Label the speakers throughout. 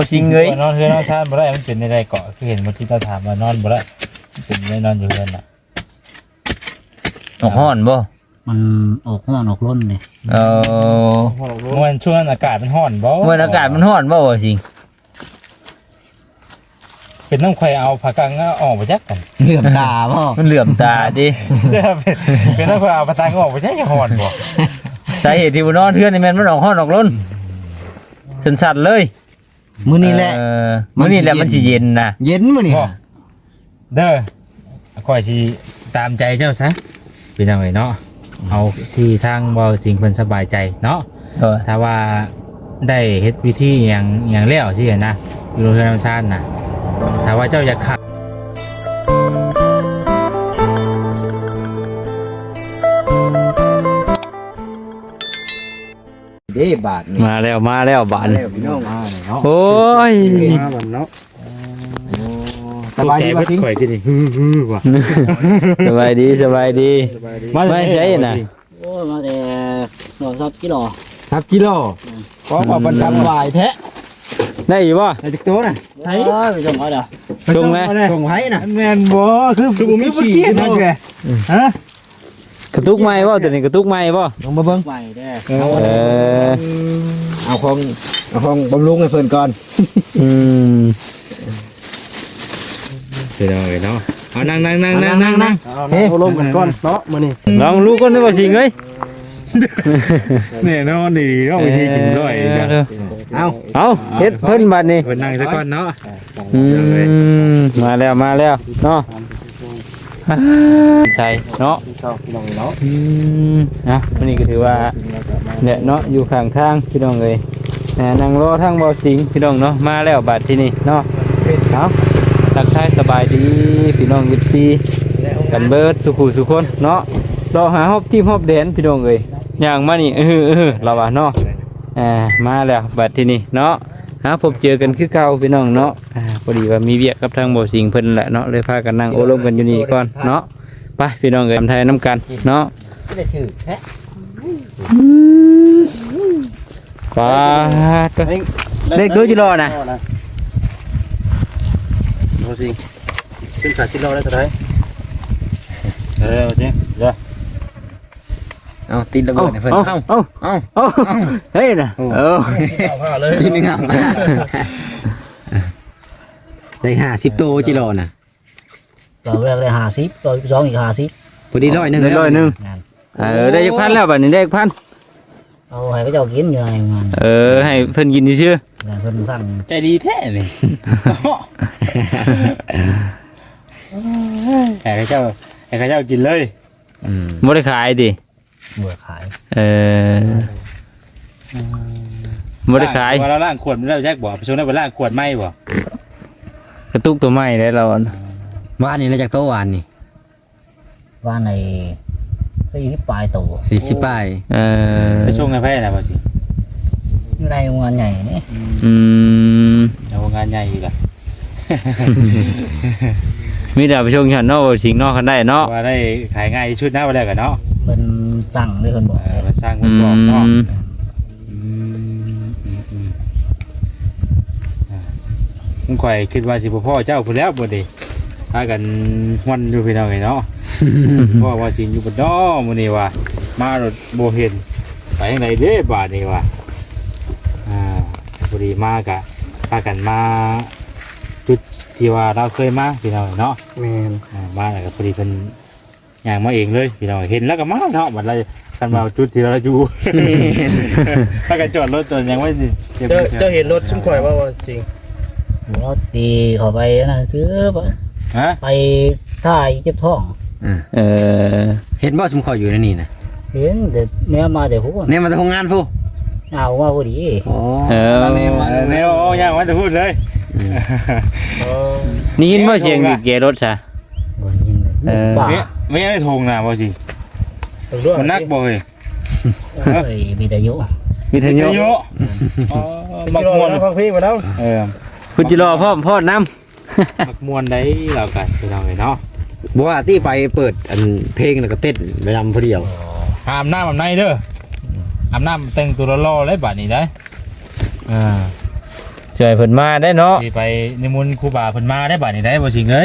Speaker 1: จริงเลย
Speaker 2: นอนเฮือนนอนชาติบ่ได้มันเป็นในใดเกาะคือเห็นเมื่อกี้เราถามว่านอนบ่ได้เป็นได้นอนอยู่เฮือนน่ะ
Speaker 1: ออกห้อนบ่
Speaker 3: มันออกห้อนออกร้นเลย
Speaker 2: เมื่อช่วงนั้นอากาศมันร้อนบ่
Speaker 1: เมื่ออากาศมันร้อนบ่จริง
Speaker 2: เป็นน้ำข่อยเอาผักกังออกไปจักกัน
Speaker 3: เหลื่อมตาพ่อ
Speaker 1: มันเหลื่อมตาดิ
Speaker 2: เป็นน้ำข่อยเอาผักกังออกไปจักร้อนบ่
Speaker 1: สาเหตุที่บ่นอนเทื่อนนี่แม่นมันออกห้อนออกร้นสั่นๆเลย
Speaker 3: มื้อนี้แหละ
Speaker 1: มื้อนี้แหละมันสิเย็นนะ
Speaker 3: เย็นมื้อนี้
Speaker 2: เด้อข่อยสิตามใจเจ้าซะพี่น้องเอ้ยเนาะเอาที่ทางบ่สิ่งเพิ่นสบายใจเนาะถ้าว่าได้เฮ็ดวิธีอย่างแล้วสินะอยู่โรงเรียนธรรมชาติน่ะถ้าว่าเจ้าอยากขับ
Speaker 3: เด้บาทนี่
Speaker 1: มาแล้วบาน
Speaker 3: แล้วพี่น้อง
Speaker 1: โอ้ย
Speaker 2: มาบันเนาะ
Speaker 3: สบายดีบ่ทิ้ง
Speaker 2: ข่อยที่นี่ฮือว่ะ
Speaker 1: สบายดีไม่ใช่น่ะ
Speaker 3: โอ้ยมาแต่หน่อซับกิโล
Speaker 4: ครับกิโลขอบอกบรรจำวายแท้
Speaker 1: ได้อยู่บ่
Speaker 4: ในติ๊กโต้น่ะ
Speaker 3: ใช่ไปส่งเอาเด้อ
Speaker 1: ชงไหม
Speaker 4: ส่งไว้น่ะ
Speaker 2: แม่นบ่คือบ่มีขี้นะแกฮะ
Speaker 1: กระตุกไม้บ่ตัวนี้กระตุกไม้บ่
Speaker 4: ลงมาเบิ่ง
Speaker 3: ไปเด้อ
Speaker 4: เอาของบำรุงให้เพิ่นก่อน
Speaker 1: อืม
Speaker 2: เดี๋ยวเนาะเอานั่ง
Speaker 4: เอาลงกันก่อนเนาะมื้อนี้
Speaker 1: ลองรู้ก่อนได้บ่สิงเอ้ย
Speaker 2: แน่นอนดีเนาะวิธีกินด้วยจ้ะ
Speaker 4: เอา
Speaker 1: เฮ็ดเพิ่นบัดนี้
Speaker 2: เพิ่นนั่งซะก่อนเนาะ
Speaker 1: มาแล้วเนาะใช่เนาะ
Speaker 4: พี่น้องเนาะ
Speaker 1: นะวันนี้ก็ถือว่าเนี่ยเนาะอยู่ข้างทางพี่น้องเลยนั่งรอทางบ่อสิงพี่น้องเนาะมาแล้วบัดที่นี่เนาะเอาทักทายสบายดีพี่น้องยิบซีกันเบิดสุขุสุคนเนาะเราหาฮอบทีมฮอบแดนพี่น้องเลยอย่างมานี่เราว่าเนาะมาแล้วบัดที่นี่เนาะพบเจอกันคือเก่าพี่น้องเนาะพอดีว่ามีเวียกกับทางบ่อสิงเพิ่นแหละเนาะเลยพากันนั่งโอ้ลมกันอยู่นี่ก่อนเนาะไปพี่น้องเลยทำไทยน้ำกันเนาะ
Speaker 4: ไม่ได้ถือแท้
Speaker 1: ปลาเลขตัวจิโร่นะ
Speaker 4: โอ้สิขึ้น3กิโลได้เท่าไหร่
Speaker 2: จริงเด้อ
Speaker 4: เอาตีนระเบิดให้เพิ่นเอา
Speaker 1: เฮ้ยนะ
Speaker 4: ทีนึงเอาได้50โตกิโลน่ะ
Speaker 3: ตัวแรกได้50ตัวที่2อีก50
Speaker 4: พอดี100นึง
Speaker 1: ได้ร้อยหนึ่งได้จักพันแล้วบัดนี้ได้พัน
Speaker 3: เอาให้เขาเจ้ากินอยู่ในงาน
Speaker 1: ให้เพิ่นกินซื่อ
Speaker 3: เพิ่นสั่ง
Speaker 2: ใจดีแท้นี่ให้ข้าเจ้ากินเลย
Speaker 1: บ่ได้ขายดิ
Speaker 3: เบื่อขาย
Speaker 1: บ่ได้ขาย
Speaker 2: ว่าเราล้างขวดมันแล้วแจ็คบ่ไปชงได้ไปล้างขวดไหมบ่
Speaker 1: กระตุกตัวใหม่ได้เรา
Speaker 4: วานนี่ได้จากโตวานนี่
Speaker 3: ว่าใน40ปลายตัว
Speaker 4: 40ป้าย
Speaker 2: ไปชงให้ไผน่ะบ่สิ
Speaker 3: อยู่ในงานใหญ่นี่
Speaker 2: เอางานใหญ่อีกอ่ะ
Speaker 1: มีแต่ไปชงฉันเนาะสิงนอกกันได้เนาะ
Speaker 2: ว่าได้ขายง่ายที่สุดนะว่าแล้วกันเนาะ
Speaker 3: เพิ่นสั่งด้วยเพิ่นบอก
Speaker 2: มาสร้างคนบอกเนาะผมข่อยคิดว่าสิพ่อเจ้าพูดแล้วบ่ดิพากันฮวนอยู่พี่น้องไงเนาะเพราะว่าสิอยู่บนดอมื้อนี้ว่ามารถบ่เห็นไปทางใดเด้บาดนี้ว่บ่ดีมากะพากันมาจุดที่ว่าเราเคยมาพี่น้องเนาะ
Speaker 4: แม่น
Speaker 2: มาแล้วก็พอดีเพิ่นย่างมาเองเลยพี่น้องเห็นแล้วก็มาเนาะบัดเราคันว่าจุดที่เราอยู่ถ้ากันจอดรถจนยังไม่เก็บ
Speaker 4: เจ้าเห็นรถชุ่มข่อยว่าจริง
Speaker 3: รถตีเข้าไปนั่นซื้อ
Speaker 2: ฮะ
Speaker 3: ไปท่ายเจ็บท้อง
Speaker 4: เห็นบ่ชุ่มข่อยอยู่ในนี่น่ะ
Speaker 3: เห็นแต่เนี้ยมาแต่หัว
Speaker 4: เนี่ยมาจากโรงงานฟู
Speaker 3: เอาว่าพอดี
Speaker 4: อ๋อ
Speaker 2: แนวย่างว่าจะพูดเลย
Speaker 1: นี่ยินบ่เสียงบีบแกรถซะ
Speaker 3: บ่ได้ยินเลยป่า
Speaker 2: ไม่ได้ทงนะบ่สิมันนักบ่เฮ้ย
Speaker 3: มีแต่ยุ
Speaker 1: วิทยุ
Speaker 2: เยอะมักมวน
Speaker 4: ฟังเพลงมาแล้ว
Speaker 1: คุณจิรอพ่อน้ำ
Speaker 2: มักมวนได้เรากันพี่น้องเนาะ
Speaker 4: บอกว่าที่ไปเปิดอันเพลงแล้วก็เต้นไปนำผู้เดียว
Speaker 2: อาบน้ำอาบในเด้ออาบน้ำแต่งตัวรอๆเลยบัดนี้ได้
Speaker 1: เชช่วยเพิ่นมาได้เนาะ
Speaker 2: สิไปนิมนต์ครูบาเพิ่นมาได้บัดนี้ได้บ่สิงเอ้ย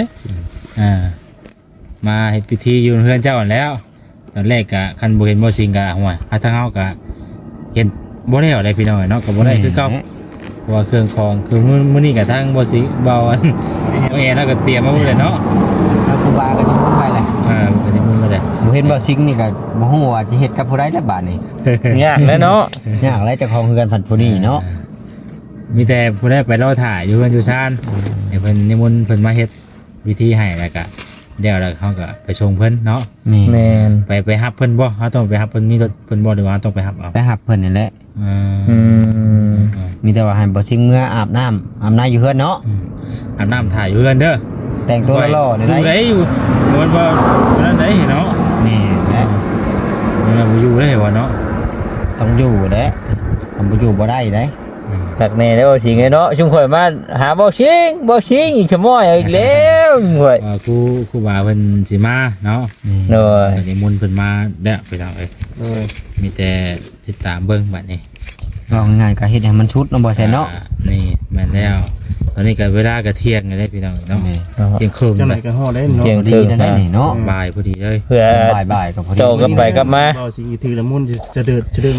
Speaker 2: มาเฮ็ดพิธีอยู่เฮือนเจ้านั่นแล้วตอนแรกก็คันบ่เห็นบ่สิงก็ห่วยทางเฮาก็เห็นบ่ได้เอาได้พี่น้องเนาะก็บ่ได้คือเก่าเพราะว่าเครื่องของคือมื้อนี้ก็ทางบ่สิเบาอันเอาแอร์แล้วก็เตรียมมาหมดเลยเนาะ
Speaker 4: ถ้าครูบาก็นิมนต์ไปแหละ
Speaker 2: ก็นิมนต์มาเลย
Speaker 4: บ่เห็นบ่ชิงนี่ก็บ่ฮู้ว่าสิเฮ็ดกับผู้ใดแล้วบาดนี้
Speaker 1: ยากแล้วเนาะ
Speaker 4: ยากหลายเจ้าของเฮือนผัดผู้นี้เนาะ
Speaker 2: มีแต่ผู้ใดไปรอถ่ายอยู่เฮือนอยู่ชานให้เพิ่นนิมนต์เพิ่นมาเฮ็ดวิธีให้แล้วก็เดี๋ยวแล้วเขาก็ไปส่งเพิ่นเนาะ
Speaker 1: แม่น
Speaker 2: ไปรับเพิ่นบ่เขาต้องไปรับเพิ่นมีรถเพิ่นบ่หรือว่าต้องไปรับเอา
Speaker 4: ไปหับเพิ่นนี่แหละ
Speaker 1: อืม
Speaker 4: มีแต่ว่าให้บ่ชิงเมื่ออาบน้ำอยู่เฮือนเนาะ
Speaker 2: อาบน้ำถ่ายอยู่เฮือนเด้อ
Speaker 4: แต่งตัวหล่อๆนี่
Speaker 2: อยู่
Speaker 4: ได้
Speaker 2: ได้อยู่มันบ่นั่นได้เนาะ
Speaker 4: นี่แหละ
Speaker 2: มันบ่อยู่ได้บ่เนาะ
Speaker 4: ต้องอยู่เด้ทำบ่อยู่บ่ได้เด้
Speaker 1: ตักแน่แล้วบ่สิงเนาะชุมข่อยมาหาบ่สิงอีกชั่วโมงอีกแล้วชุมข่อย
Speaker 2: ครูบาเพิ่นสิมาเนาะ
Speaker 1: โดย
Speaker 2: นิมนต์เพิ่นมาแล้วไปทางเอ้ยมีแต่ติดตามเบิ่งบัดนี้
Speaker 4: ก็ง่ายๆก็เฮ็ดให้มันชุดเนาะบ่แซ่นเนาะ
Speaker 2: นี่แม่นแล้วตอนนี้ก็เวลาก็เที่ยงแล้วได้พี่น้องเนาะเที่ยงครึ่ง
Speaker 5: จังไหน
Speaker 2: เลย
Speaker 5: ก็ฮอดได้เนาะ
Speaker 1: เที่ยง
Speaker 4: ดีนั่นได้นี่เนาะ
Speaker 2: บ่ายพอดีเลย
Speaker 1: เพื่อ
Speaker 4: บ่ายๆก็พอดี
Speaker 1: โตก็ไปกลับมา
Speaker 5: เบาสิอีถือละมุนจะเดิดจะดึง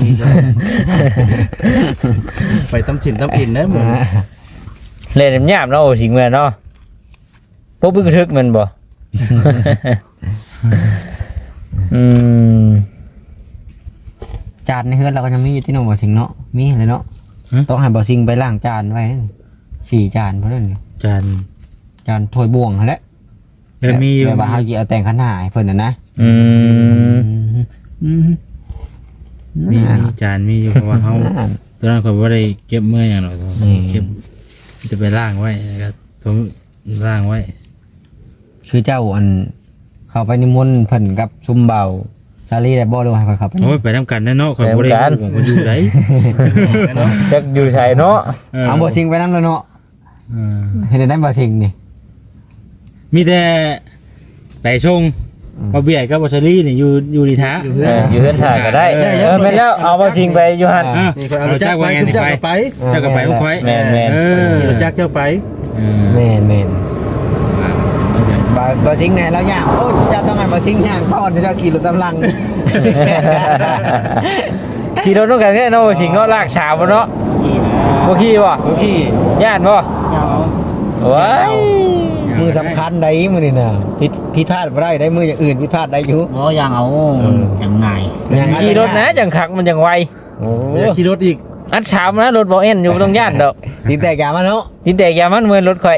Speaker 5: ไปตำฉินตำอินนะมึง
Speaker 1: เล่นหยาบเนาะบ่สิงแม่นเนาะพวกบึกทึกมันบ่ อืม
Speaker 4: จานในเฮือนเราก็ยังมีอยู่ที่น้องบ่สิงเนาะมีเลยเนาะต้องให้บ่สิงไปล้างจานไว้นั่น4จานเพราะนั่น
Speaker 2: จาน
Speaker 4: จานถ้วยบวงนั่นแหละ
Speaker 2: เดินมีอยู่
Speaker 4: แบบว่าเฮาสิเอาแต่งขันหาให้เพิ่นน่ะนะ
Speaker 1: อืม
Speaker 2: มีจานมีอยู่เพราะว่าเขาตอนนั้นเขาบ่ได้เก็บเมื่ออย่างหรอกเก็บจะไปล้างไว้แล้วก็ต้องล้างไว้
Speaker 4: คือเจ้าอันเข้าไปนิมนต์เพิ่นกับซุมเบาซาลีได้บ่หรือว่าให้เขาเข้าไป
Speaker 2: โอ้ยไปทำกันแน่เนาะเขาบ่ได้ผมก็อยู่ได้
Speaker 1: จักอยู่ไสเนาะ
Speaker 4: เอาบ่สิงไปนำแล้วเนาะเฮ็ดได้บ่สิงนี่
Speaker 2: มีแต่ไปชงบ่เบียดกับบ่ชลีนี่อยู่ดีท้า
Speaker 1: อยู่เฮือนถ่ายก็ได้แม่นแล้วเอาบ่สิงไปอยู่หั่น
Speaker 5: นี่คนเอาจักรไปคุณจักรไป
Speaker 2: เจ้าก็ไปลูกค่อย
Speaker 1: แม่น
Speaker 5: เอาจักรเจ้าไป
Speaker 4: แม่นบ่สิงแน่แล้วย่างโอ้เจ้าต้องให้บ่สิงย่างก่อนเจ้าขี่รถตำลัง
Speaker 1: ขี่รถต้องกันแน่เนาะบ่สิงเนาะลากฉาบ่เนาะบ่ขี่บ่
Speaker 4: โอเค
Speaker 1: ย่านบ่
Speaker 3: ยาว
Speaker 1: ว้าย
Speaker 4: มือสำคัญได้มือนี่น่ะผิดพลาดบ่ได้ได้มืออย่างอื่นผิดพลาดได้อยู่
Speaker 3: บ่ยังเอายังไง
Speaker 1: ขี่รถนะจังคักมันจังไว
Speaker 4: โอ้
Speaker 5: ไม่อยากขี่รถอีก
Speaker 1: อัดฉามนะรถบ่เอ็นอยู่บ่ต้องย่านดอก
Speaker 4: ตีแตกยามาเนาะ
Speaker 1: ติดแต่อย่ามันเหมือนรถข่อย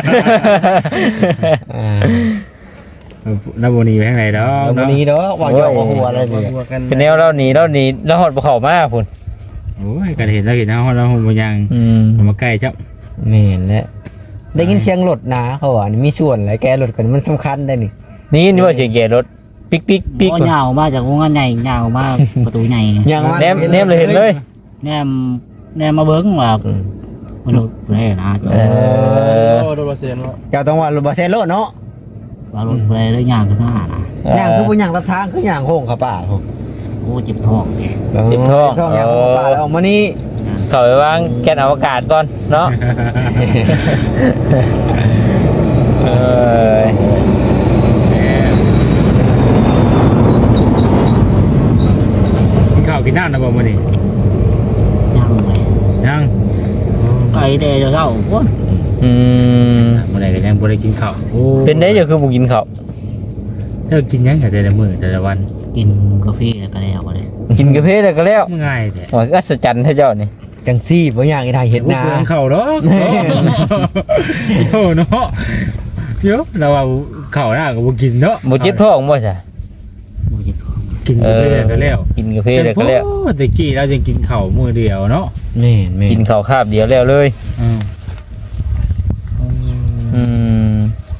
Speaker 2: น้ำบนีไปทางไหนดอก
Speaker 4: วันนี้เนาะวางยอกวางหัวอะไรนี่
Speaker 5: หัวกัน
Speaker 1: เป็นแนวเราหนีเราหดบ่เข้ามาพุ่น
Speaker 2: โอ้ยกันเห็นแล้วเห็นนะเราหงมันยัง
Speaker 1: อืม
Speaker 2: มาใกล้เจ้า
Speaker 4: แม่นแหละได้ยินเสียงรถนะเขาว่านี่มีส่วนหลายแกรถกันมันสำคัญได้นี่
Speaker 1: นี่ว่าเสียงเกียร์รถปิ๊กปิ๊กปิ๊ก
Speaker 3: บ่ยาวมาจากวงงานใหญ่ยาวมาประตูใหญ่
Speaker 4: ยังว่า
Speaker 1: แนมเลยเห็นเลย
Speaker 3: แนมมาเบิ่งว่ามนุษย์ได้นะ
Speaker 1: เออ
Speaker 5: โอ้โดนเสียนวะ
Speaker 4: เจ้าต้องว่ารถบ่แซ่รถเนาะ
Speaker 3: ว่ารถอะไรได้ย่างขึ้นหน้านะ
Speaker 4: ย่างคือบ่ย่างรับทางคือย่างโค้งเข้าป่าโห
Speaker 3: โอ้เจ็บท้อง
Speaker 4: ท้องย่างเข้าป่าแล้วออกมานี่
Speaker 1: เข้าไปวางแกนอวกาศก่อนเนาะเออ
Speaker 2: กินข้าวกินน้ำนะบ่มื้อนี้
Speaker 3: ย่างเลย
Speaker 2: ยัง
Speaker 3: ไก่แต่เช้าๆพุ่น
Speaker 1: อืม
Speaker 2: มื้อใดก็ยังบ่ได้กินข้าวโอ้
Speaker 1: เป็นได้อยู่คือบ่กินข้าว
Speaker 2: เจ้ากินยังแต่ละมื้อแต่ละวัน
Speaker 3: กินกาแฟแล้วก็แล้วเลย
Speaker 1: กินกาแฟแล้วก็แล้ว
Speaker 2: ง่ายแท้
Speaker 1: โอ้ยอัศจรรย์เท่าเจ้านี่
Speaker 4: จังซี่บ่ย่างอีไทยเฮ็ดนา
Speaker 2: โอ้ข้าวดอกโอ้เนาะเดี๋ยวเราเอาข้าวหน้าก็บ่กินเนาะ
Speaker 1: บ่เจ็บท้องบ่จ้ะ
Speaker 3: โอ้เจ็บท้อง
Speaker 2: กินไปเรื่อยก็แล้ว
Speaker 1: กินกาแฟแล้วก็แล้ว
Speaker 2: ตะกี้เราจะกินข้าวมื้อเดียวเนาะ
Speaker 4: แม่น
Speaker 1: กินข้าวคาบเดียวแล้วเลย
Speaker 2: อืม
Speaker 1: อืม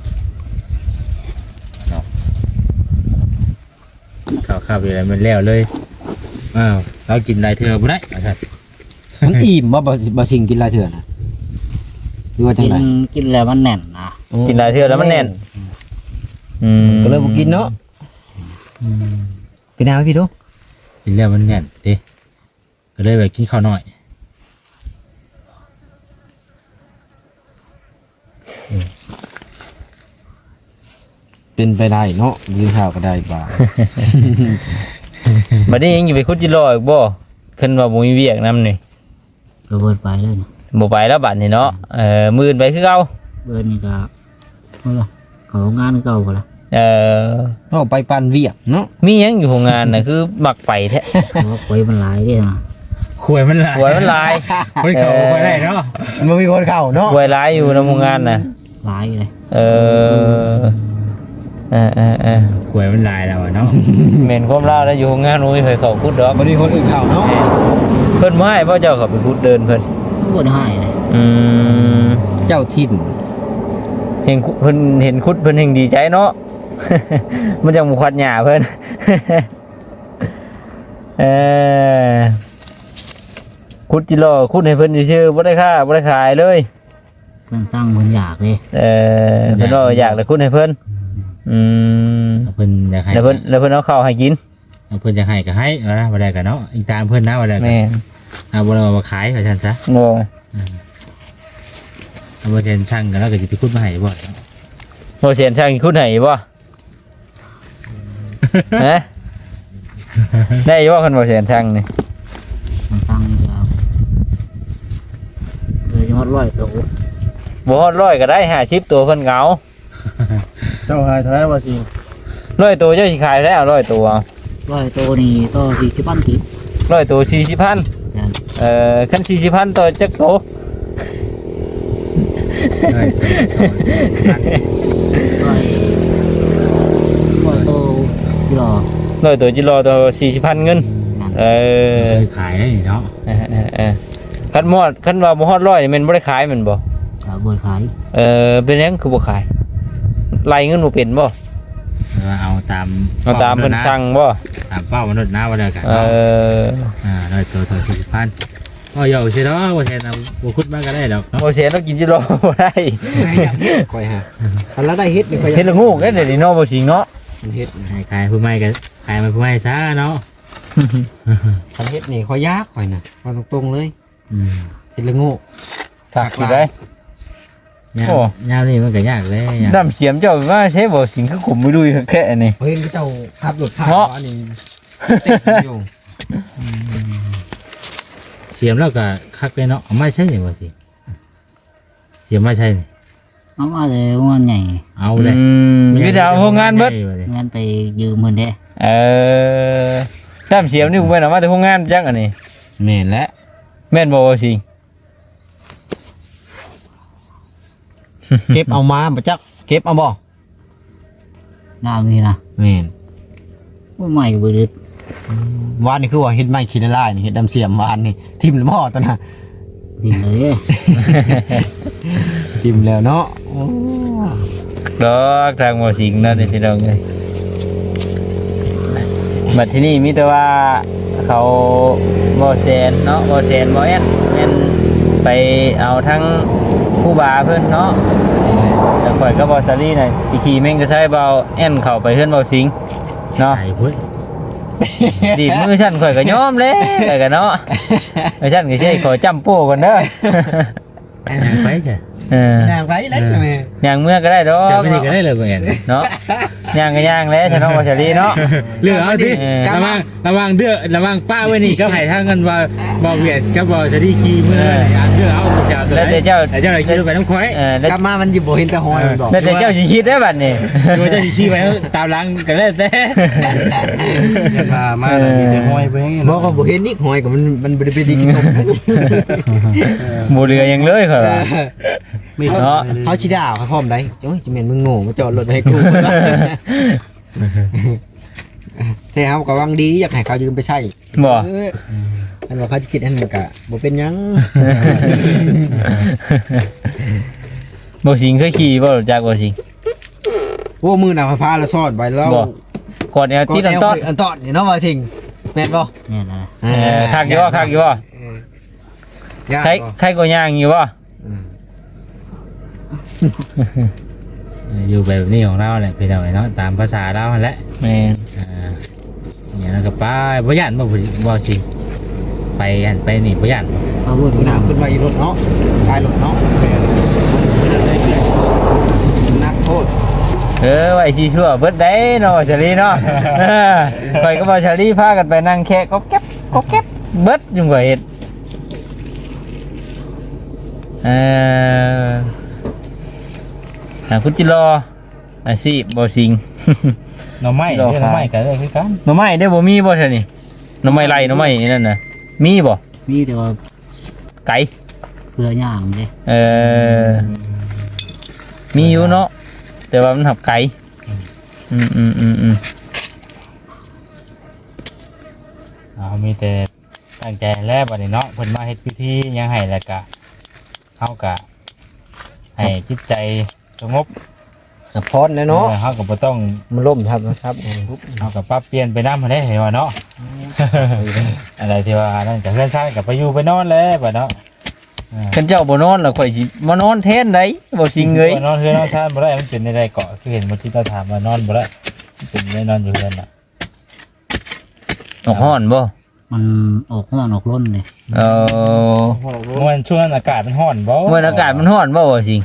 Speaker 2: ข้าวข้าวอะไรมันแล้วเลยอ้าวเรากินหลายเทื่อบ่ได้ว่าซั่น
Speaker 4: มันอิ่มบ่สิงกินหลายเทื่อนะหรือว่าจังได๋
Speaker 3: กินแล้วมันแน่นนะ
Speaker 1: กินหลายเทื่อแล้วมันแน่นอืม
Speaker 4: ก็เลยบ่กินเนาะกินน้ำให้พี่ดู
Speaker 2: กินแล้วมันแน่นเด้ก็เลยไปกินข้าวน้อย
Speaker 4: เป็นไปได้เนาะยืนเท้าก็ได้บ่า
Speaker 1: บัดนี้ยังอยู่ไปคุดจิโร่อีกบ่ขึ้นว่าบ่มีเวียกนำนี่
Speaker 3: ระเบิดไปเลยนะ
Speaker 1: บ่ไปแล้วบัดนี้เนาะมื้ออื่นไปคือเก่า
Speaker 3: เบิดนี่ก็เมื่อเขางานเก่าก็ละ
Speaker 4: เอาไปปันเวียกเนาะ
Speaker 1: มีหยังอยู่โรงงานน่ะคือมักไปแท้
Speaker 3: เพราะไว้มันหลายเด้นะ
Speaker 2: ขวยมันหลาย
Speaker 1: หวยมันหลาย
Speaker 2: คนเขาบ่ได้เนาะ
Speaker 4: มันมีคนเข้าเนาะ
Speaker 1: หวยหลายอยู่ในโรงงานน่ะ
Speaker 3: หลายเลย
Speaker 1: เออ
Speaker 2: ขวยมันหลายแล้วอะเนาะ
Speaker 1: แม่นความลาวแล้วอยู่โรงงานบ่มีไผเข้าคุดดอก
Speaker 4: บ่มีคนอื่นเข้าเนาะ
Speaker 1: เพิ่นบ่ให้พ่อเจ้าเข้าไปคุดเดินเพิ่น
Speaker 3: บ่ได้ให้เลย
Speaker 4: เจ้าถิ่น
Speaker 1: เห็นเพิ่นเห็นคุดเพิ่นแห่งดีใจเนาะ มันจังบ่ควัดหญ้าเพิ่น คุดจิโร่คุดให้เพิ่นซื่อๆบ่ได้ค่าบ่ได้ขายเลย
Speaker 3: เพิ่นตั้งเพิ่นอยากเลย
Speaker 1: เพิ่นว่าอยากเลยคุดให้เพิ่นม
Speaker 2: เพิ่นอยากให้
Speaker 1: แล้วเพิ่นเอาข้าวให้กิน
Speaker 2: เพิ่นจะให้ก็ให้เอานะบ่ได้ก็เนาะอีกตามเพิ่นนะบ่ได้ก็
Speaker 1: แม่น
Speaker 2: เอาบ่ได้มาขายว่าซั่นซะ
Speaker 1: โง่
Speaker 2: เอาบ่เซ็นช่างกันแล้วก็สิไปขุดมาให้บ่
Speaker 1: บ่เสียนช่างคุดให้บ่ ฮะได้อยู่บ่คันบ่เสียนช่างนี่
Speaker 3: มันตั้งนี่ก็เลยจะฮอด100ตัว
Speaker 1: บ่ฮอด100ก็ได้50ตัวเพิ่นเหงา
Speaker 5: เจ้าหายเท่าไหร่ว่าสิ
Speaker 1: 100ตัวเจ้าสิขายได้เอา100ตัว
Speaker 3: 100ตัวนี่ต่อ40พันกิบ
Speaker 1: 100ตัว40,000
Speaker 3: นั่น
Speaker 1: คัน40,000ต่อจักโต
Speaker 2: ได้ตัว40,000
Speaker 3: 100ตัวที่รอ
Speaker 1: 100ตัวจิรอตัว40,000เงิน
Speaker 3: นั่น
Speaker 2: ขายได้เนาะ
Speaker 1: คันว่าบ่ฮอด100นี่แม่นบ่ได้ขายแม่นบ่
Speaker 3: ก็บ่ขาย
Speaker 1: เป็นหยังคือบ่ขายไล่เงินบ่เป็นบ่
Speaker 2: เอาตาม
Speaker 1: เอาตามเพิ่นสั่งบ่
Speaker 2: ตามเป้ามนุษย์นะบ่ได้กัน ได้ตัว40,000ก็อยู่สิเนาะบ่แทนเอาบ่ขุดมาก็ได้ดอกเนาะ
Speaker 1: บ่เสียแล้วกินจิรอบ่ได้
Speaker 4: ค่อยฮะอันละได้เฮ็ดนี่ค่อย
Speaker 1: เฮ็ดละงูกเด้เดี๋ยวนี้เนาะบ่สิงเนาะ
Speaker 4: มันเฮ็ด
Speaker 2: ให้ขายผู้ใหม่ก็ขายมาผู้ใหม่ซะเนาะ
Speaker 4: คันเฮ็ดนี่ค่อยยากค่อยน่ะว่าตรงๆเลย
Speaker 2: อืม
Speaker 4: เฮ็ดละโง่
Speaker 1: ฝากสิได้ โอ้
Speaker 2: ยามนี่มันก็ยากเลย
Speaker 1: น้ำเสียมเจ้าว่าใช้บ่สิงคือขุมไม่ดุยแค่นี่
Speaker 4: เฮ้ยเจ้าขับรถผ่าน
Speaker 1: เนาะ
Speaker 4: อันนี้เต็มอยู่
Speaker 2: เสียมแล้วก็คักเลยเนาะไม่ใช่นี่ว่าสิเสียมไม่ใช่นี่
Speaker 3: เอามาเลยงานใหญ่
Speaker 2: เอาเลย
Speaker 1: มีแต่เอาโรงงานเบิด
Speaker 3: งานไปยืมเพิ่นเด้
Speaker 1: น้ำเสียมนี่กูไปเอามาแต่โรงงานจักอันนี้
Speaker 4: แม่นแล้ว
Speaker 1: แม่นบ่ว่าสิง
Speaker 4: เก็บเอามาบ่จักเก็บเอาบ่
Speaker 3: น้ามีนะ
Speaker 4: แม่น
Speaker 3: บ่ใหม่บ่ดึก
Speaker 4: วานนี่คือว่าเฮ็ดไม้ขี้ละลายนี่เฮ็ดดำเสียมวานนี่ทิ่มแล้วบ่ตอนน่ะ
Speaker 3: ดินเลย
Speaker 4: ทิ่มแล้วเนาะโอ้
Speaker 1: ดอกทางบ่สิงเนาะที่น้องเอ้ยบัดที่นี่มีแต่ว่าเขาบ่แซนเนาะบ่แซนบ่แอนแม่นไปเอาทั้งผู้บาเพิ่นเนาะแต่ข่อยก็บ่ซาลี่น่ะสิขี่แม่งจะใช้เบาแอนเข้าไปเฮือนเบาสิงเนาะ
Speaker 2: ไอ้พุ่น
Speaker 1: ดีดมือฉันข่อยก็ยอมเลยแต่ก็เนาะไอ้ฉันก็ใช่ขอจำโป้ก่อนเด้อ
Speaker 2: ยังไปจ้ะ
Speaker 4: น้ำไว้แล้วแม่
Speaker 1: ย่างเมื่อก็ได้ดอก
Speaker 2: จะไม่ได้ก็ได้เลยเหมือนกัน
Speaker 1: เนาะย่างก็ย่างแล้วฉันน้องวาชรีเนาะ
Speaker 2: เลือกเอาดิระวังเดือระวังป้าไว้นี่ก็ให้ทางกันว่าบ่เวียดก็บ่จะได้ขี่เมื่อเลือกเอาเจ้าตัวไหนเจ้าไหนขี่ไปน้ำควาย
Speaker 1: แล้ว
Speaker 4: กลับมามันสิบ่เห็นแต่หอยมันบอก
Speaker 1: แต่เจ้าสิคิดได้บัดนี้
Speaker 2: โดยเจ้าขี่ไปตามหลังกันแล้วแต่
Speaker 5: มามีแต่ห้อยไปให้
Speaker 4: บ่ก็บ่เห็นอีกหอยก็มันบ่ได้ไปดิกินนม
Speaker 1: บ่เหลือหยังเลยข่อยว่า
Speaker 5: ไม่
Speaker 1: เนาะ
Speaker 4: เขาสิด่าเขาพร้อมได้โอ้ยจะแม่นมึงโง่มาจอดรถให้กู แต่เฮาก็หวังดีอยากให้เขายืมไปใช้
Speaker 1: บ่
Speaker 4: อันว่าเขาจะคิดอันนั้นก็บ่เป็นหยัง
Speaker 1: บ่สิงเคยขี่บ่รู้จักบ่สิง
Speaker 4: โอ้มือหน้าพาละซอดไว้แล้ว
Speaker 1: บ่กดแนวตีนต้น
Speaker 4: อันตอนนี่เนาะว่าสิงแม่นบ่
Speaker 3: แม่นนะ
Speaker 1: คักอยู่บ่คักอยู่บ่ใครก็ย่างอยู่บ่
Speaker 2: อยู่แบบนี้ของเราแหละพี่น้องเนาะตามภาษาเราแหละ
Speaker 1: แม่น
Speaker 2: เนี่ยแล้วก็ป้าบ่ย่านบ่สิไปหันไปนี่บ่ย่าน
Speaker 3: เอาบ่
Speaker 4: มื
Speaker 3: ดี
Speaker 4: อหน้าขึ้นมาอีรถเนาะลายรถเนาะนักโทษ
Speaker 1: เไว้สิชั่วเบิดได้เนาะชาลีเนาะข่อยก็บ่ชาลีพากันไปนั่งแค่ก็เก็บเบิดอยู่บ่เฮ็ดคุณจิรออาชีพบ่สิง
Speaker 2: หน่อไม้เด้อหน่อไม้ก็ได้คือกัน
Speaker 1: หน่อไม้ได้บ่มีบ่เท่านี้หน่อไม้ไรหน่อไม้นั่นน่ะมีบ่
Speaker 3: มีแต่ว่า
Speaker 1: ไก่
Speaker 3: เพื่อย่างเด้
Speaker 1: มีอยู่เนาะแต่ว่ามันหับไก่
Speaker 2: มีแต่ตั้งใจแล้วบัดนี้เนาะเพิ่นมาเฮ็ดพิธีหยังให้แล้วก็เฮาก็ให้จิตใจสงบ
Speaker 4: พอดเนาะ
Speaker 2: เฮาก็บ่ต้อง
Speaker 4: มันล่มครับนะครับ
Speaker 2: เฮาก็ปรับเปลี่ยนไปนำได้เห็นว่าเนาะ อะไรที่ว่านั่นก็เพื่อนชายก็ไปอยู่ไปนอนแล้วบัดเนาะ
Speaker 1: คันเจ้าบ่นอนแล้วข่อยสิมานอนแทนได้บ่สิงเอ้ย
Speaker 2: นอนเฮือนนอนชานบ่ได้มันเป็นในใดเกาะคือเห็นบ่ที่ตาถามว่านอนบ่ได้เป็นได้นอนอยู่เฮือนน่ะ
Speaker 1: ออกฮ้อนบ่
Speaker 3: มันออกห้อนออกร้นเลย
Speaker 2: มันช่วงนั้นอากาศมันร้อนบ่
Speaker 1: เมื่ออากาศมันร้อนบ่สิง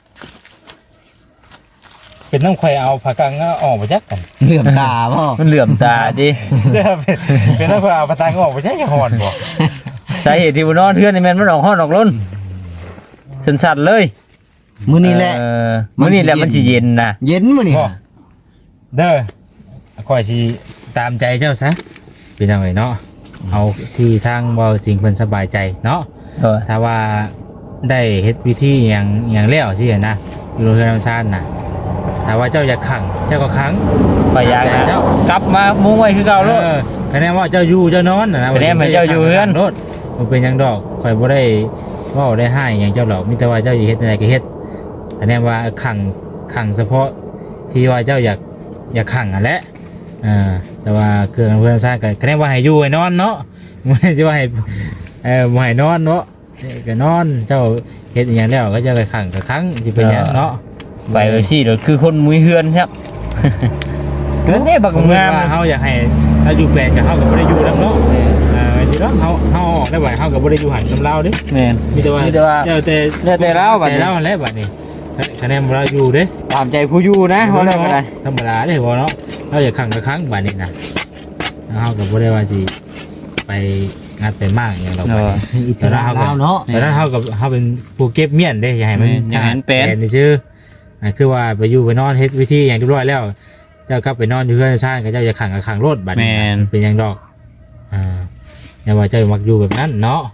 Speaker 2: เป็นน้ำไข่เอาผักกังออกมาจักกัน
Speaker 4: เหลื่อมตาบ่
Speaker 1: มันเหลื่อมตาดิ
Speaker 2: เป็นน้ำไข่เอาผักกังออกมาจักยังร้อนบ่
Speaker 1: สาเหตุที่บ่นอนเทื่อนนี่แม่นมันออกฮ้อนออกร้นสั่นๆเลย
Speaker 4: มื้อนี้แหละ
Speaker 1: มื้อนี้แหละมันสิเย็นนะ
Speaker 4: เย็นมื้อนี้
Speaker 2: เด้อข่อยสิตามใจเจ้าซะเป็นจังไดเนาะเอาที่ทางเว้าสิ่งเพิ่นสบายใจเนาะ ถ้าว่าได้เฮ็ดวิธีอย่างแล้วสินะอยู่โรงเรียนธรรมชาติน่ะถ้าว่าเจ้าอยากขังเจ้าก็ขัง
Speaker 1: ไปยางนะกลับมามุ้งไว้คือเก่าโลด
Speaker 2: คะแนนว่าเจ้าอยู่เจ้านอนนะ
Speaker 1: คะแนนให้เจ้าอยู่เฮือน
Speaker 2: โลดบ่เป็นหยังดอกข่อยบ่ได้เว้าได้ให้หยังเจ้าหรอกมีแต่ว่าเจ้าอยากเฮ็ดอะไรก็เฮ็ดคะแนนว่าขังเฉพาะที่ว่าเจ้าอยากขังนั่นแหละแต่ว่าเครื่องเพื่อนสร้างก็คะแนนว่าให้อยู่ให้นอนเนาะบ่ได้สิว่าให้บ่ให้นอนเนาะก็นอนเจ้าเฮ็ดอหยังแล้วก็เจ้าก็ขังก็ขังสิเป็นหยังเนาะ
Speaker 1: ไปไว้สิโดดคือคนมุ้ยเฮือนครับเฮือนนี่บักงาม
Speaker 2: เฮาอยากให้เราอยู่แปลนกับเฮาก็บ่ได้อยู่นำเนาะที่เนาะเฮาออกได้บ่เฮาก็บ่ได้อยู่หันนำลาวเด้
Speaker 1: แม่น
Speaker 2: มีแต่ว่า
Speaker 1: เจ้าแต่เราบัดนี้
Speaker 2: แต่เราแหละบัดนี้คะแนนเราอยู่เด้
Speaker 1: ตามใจผู้อยู่นะว่าแล้วก็ได้
Speaker 2: ธรรมดาเด้บ่เนาะเราอยากขังกับครั้งบัดนี้นะเฮาก็บ่ได้ว่าสิไปงัดไปมากอย่างเราไป
Speaker 4: อิสระลาวเนาะ
Speaker 2: แต่นั้นเฮากับเฮาเป็นผู้เก็บเมียนเด้อย่าให้มันนี่ชื่อคือว่าไปอยู่ไปนอนเฮ็ดวิธีอย่างเรียบร้อยแล้วเจ้ากลับไปนอนอยู่เพื่อนชาติก็เจ้าจะขังกับขังรถบัดนี้เป็นอย่างดอกอย่าว่าเจ้ามักอยู่แบบนั้นเนาะ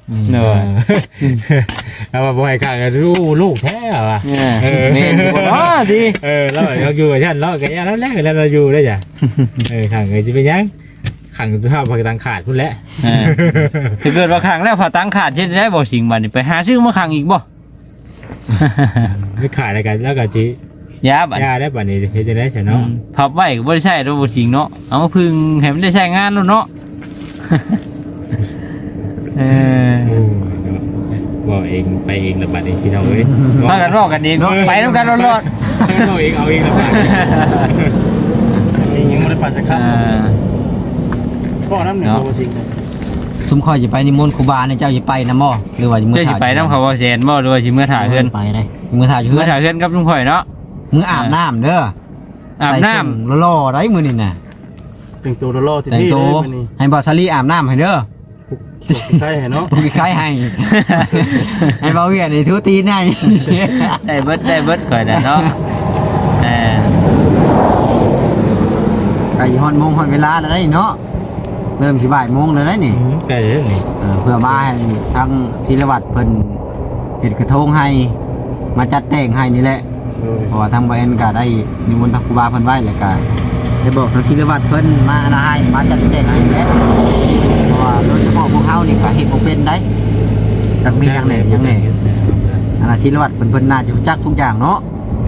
Speaker 2: เอาว่าบ่ให้ขังกันลูกแท้ว่ะ
Speaker 1: นี่อ๋อดี
Speaker 2: แล้วเราอยู่กับฉันแล้วก็ย่าแล้วแรกแล้วเราอยู่ได้จ้ะขังก็สิเป็นยังขังตัวผักตังขาดพุ่นแหละ
Speaker 1: ถ้าเกิดว่าขังแล้วผ่าตังขาดจะได้บ่สิงบัดนี้ไปหาซื้อมาขังอีกบ่
Speaker 2: ไม่ขาดอะไรกันแล้วก็จิ
Speaker 1: ยาบัด
Speaker 2: ยาได้บัดนี้เฮ็ดจังได๋ซะเนาะ
Speaker 1: พับไว้ก็บ่ได้ใช้ดอกบ่สิงเนาะเอามาพึ่งให้มันได้ใช้งานแล้วเนาะ
Speaker 2: บอกเองไปเองละบัดนี้พี่น้องเอ้ย
Speaker 1: พากันรอกันเองไปนำกันรอด
Speaker 2: เอาเองละบัด
Speaker 5: สิยังบ่ได้ปั่นจักครับพ่อน้ำหนึ่งโตสิ
Speaker 4: ซุมข่อยสิไปนิมนต์ครูบาเนี่ยเจ้าสิไปนำบ่หรือว่า
Speaker 1: ๆ
Speaker 4: มื้อ
Speaker 1: เจ้าสิ
Speaker 4: ถ่าย
Speaker 1: ไปนำเขาบ่แซนบ่หรือว่าสิเมื่อถ่าเฮือน
Speaker 3: ไปได้
Speaker 4: มื้อถ่ายอยู่
Speaker 1: เมื่
Speaker 4: เฮื
Speaker 1: อ
Speaker 4: อน
Speaker 1: ถ่าเฮือนกับลุงข่อยเนาะ
Speaker 4: มื้ออาบน้ำเด้อ
Speaker 1: อาบน้ำ
Speaker 4: ใส่ชุดหล่อๆได้มื้อนี่น่ะ
Speaker 5: แต่งตัวรอๆที่
Speaker 4: แต่ง
Speaker 5: นี่
Speaker 4: ตัว
Speaker 5: เลยนี่
Speaker 4: ให้บ่าวซาลีอาบน้ำให้เด้อ
Speaker 5: ใช่เนาะ
Speaker 4: มีใครให้ ให้บ่าวเวียนนี่ทูตีนให้
Speaker 1: ได้เบิดข่อยน่ะเนาะ
Speaker 4: ไก่ฮอนโมงฮอนเวลาแล้วได้เนาะเริ่มสิบ่ายโมงแล้วได้นี่
Speaker 2: ใกล้แล้วนี่
Speaker 4: เพื่อมาให้ทางศิลวัตรเพิ่นเฮ็ดกระทงให้มาจัดแต่งให้นี่แหละเพราะว่าทางบ่แอนก็ได้นิมนต์ทางครูบาเพิ่นไว้แล้วก็ได้บอกทางศิลวัตรเพิ่นมานะให้มาจัดแต่งให้แหละเพราะว่าโดยเฉพาะพวกเฮานี่ก็เฮ็ดบ่เป็นได้จักมีหยังแหน่อันน่ะศิลวัตรเพิ่นน่าจะรู้จักทุกอย่างเนาะ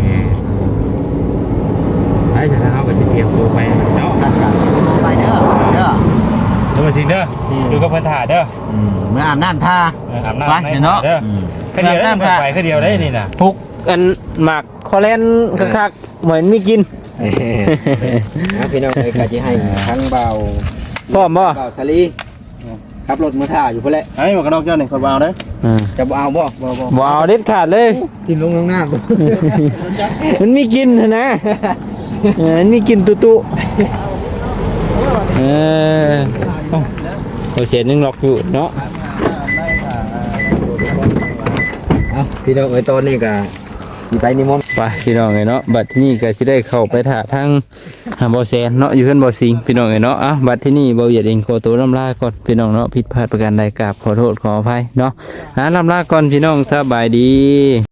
Speaker 2: ไปจะเฮาก็สิเตรียมตัวไปเนาะ
Speaker 4: ท่านก็ไปเด้อเด้อ
Speaker 2: ตัวสิเด้ออยู่กับเพิ่นถ่าเด้อ
Speaker 4: เมื่ออาบน้ำท่า
Speaker 2: อาบน้ำเนาะคือเดียวได้ไปคือเดียวได้นี่น่ะ
Speaker 1: พุกอันหมากคอแลนคักๆเหมือนมีกิน
Speaker 4: พี่น้องเลยก็จะให้ทั้งเบา
Speaker 1: พร้อมบ่
Speaker 4: เบาสลีขับรถมือท่าอยู่เพื่อแหละ
Speaker 5: ไอ้หมวกกันน็อกเจ้านี่คนวาวเด้อ
Speaker 4: จะเอาบ่
Speaker 5: บ่
Speaker 1: บ่เอาเด็ดขาดเลย
Speaker 4: กินลงน้ำ
Speaker 1: มันมีกินนะนี่กินตุตุโอเสียนึงล็อกอยู่เนาะ
Speaker 4: เอาพี่น้องเอ้ยตอนนี้ก็สิไปนิมนต์
Speaker 1: ไปพี่น้องเนาะบัดที่นี่ก็สิได้เข้าไปถ่าทั้งบ่แซนเนาะอยู่เพิ่นบ่สิงพี่น้องเนาะบัดที่นี่บ่เหยียดเองขอตัวลำลาก่อนพี่น้องเนาะผิดพลาดประการใดกราบขอโทษขออภัยเนาะลำลาก่อนพี่น้องสบายดี